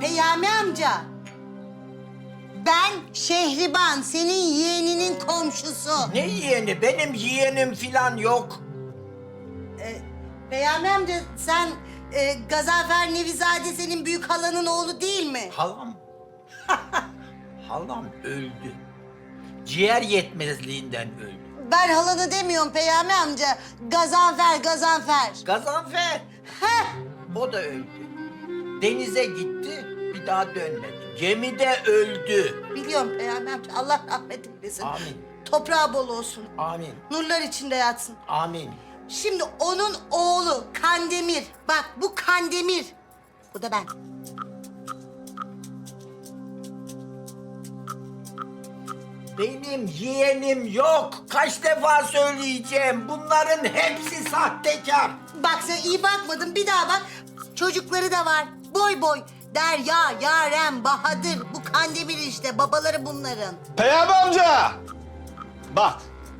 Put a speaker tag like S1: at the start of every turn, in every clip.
S1: Peyami amca. Ben Şehriban, senin yeğeninin komşusu.
S2: Ne yeğeni? Benim yeğenim falan yok.
S1: Peyami amca sen Gazanfer Nevizade senin büyük halanın oğlu değil mi?
S2: Halam. Halam öldü. Ciğer yetmezliğinden öldü.
S1: Ben halanı demiyorum Peyami amca. Gazanfer.
S2: Gazanfer.
S1: Heh.
S2: O da öldü. Denize gitti, bir daha dönmedi. Gemide öldü.
S1: Biliyorum Peyami amca. Allah rahmet eylesin.
S2: Amin.
S1: Toprağı bol olsun.
S2: Amin.
S1: Nurlar içinde yatsın.
S2: Amin.
S1: Şimdi onun oğlu Kandemir. Bak bu Kandemir. Bu da ben.
S2: Benim yeğenim yok. Kaç defa söyleyeceğim. Bunların hepsi sahtekar.
S1: Bak sen iyi bakmadın. Bir daha bak. Çocukları da var. Boy boy. Derya, Yaren, Bahadır. Bu Kandemir işte. Babaları bunların.
S3: Peyami amca! Bak.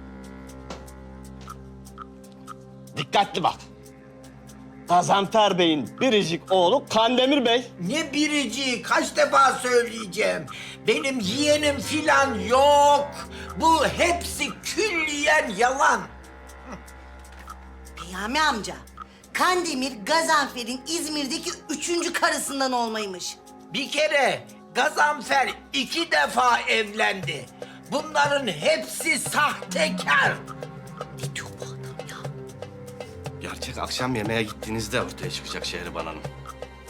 S3: Dikkatli bak. Gazanfer Bey'in biricik oğlu Kandemir Bey.
S2: Ne birici, kaç defa söyleyeceğim. Benim yeğenim filan yok. Bu hepsi külliyen yalan.
S1: Peyami amca. Kandemir, Gazanfer'in İzmir'deki 3. karısından olmaymış.
S2: Bir kere Gazanfer 2 defa evlendi. Bunların hepsi sahtekar.
S1: Ne diyor bu adam ya?
S3: Gerçek akşam yemeğe gittiğinizde ortaya çıkacak Şehriban Hanım.